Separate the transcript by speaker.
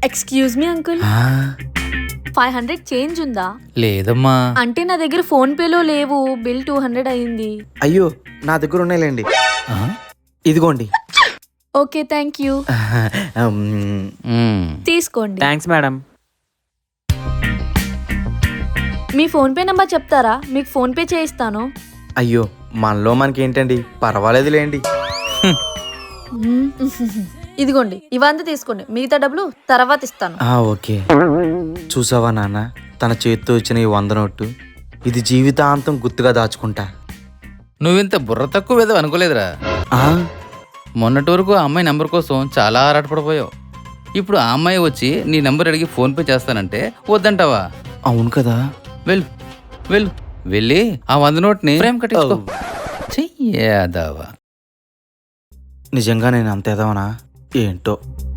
Speaker 1: Excuse me uncle,
Speaker 2: ఆ,
Speaker 1: 500 change ఉందా?
Speaker 2: లేదమ్మా.
Speaker 1: అంటే నా దగ్గర ఫోన్ పేలో లేవు, బిల్ 200 అయింది.
Speaker 3: అయ్యో నా దగ్గర ఉన్నాయిలేండి,
Speaker 2: ఆ?
Speaker 3: ఇదిగోండి.
Speaker 1: ఓకే థ్యాంక్ యూ, తీసుకోండి.
Speaker 4: Thanks madam.
Speaker 1: మీ ఫోన్ పే నంబర్ చెప్తారా? మీకు ఫోన్ పే చేయిస్తాను.
Speaker 3: అయ్యో మనలో మనకేంటండి, పర్వాలేదులేండి.
Speaker 1: మ్మ్. ఇదిగోండి, ఇవంతా తీసుకోండి, మిగతా డబ్బులు తర్వాత ఇస్తాను.
Speaker 3: ఓకే. చూసావా నాన్న, తన చేతితో ఇచ్చిన ఈ 100 నోటు, ఇది జీవితాంతం గుర్తుగా దాచుకుంటా.
Speaker 2: నువ్వింత బుర్ర తక్కువ ఏదో అనుకోలేదురా.
Speaker 3: ఆ,
Speaker 2: మొన్నటి వరకు ఆ అమ్మాయి నెంబర్ కోసం చాలా ఆరాటపడిపోయావు. ఇప్పుడు ఆ అమ్మాయి వచ్చి నీ నెంబర్ అడిగి ఫోన్పే చేస్తానంటే వద్దంటావా?
Speaker 3: అవును కదా.
Speaker 2: వెళ్ళు వెళ్ళు, వెళ్ళి ఆ 100 నోట్ని ఫ్రేమ్ కట్టించుకో. చెయ్యాదావా.
Speaker 3: నిజంగా నేను అంతేదావనా ఏంటో.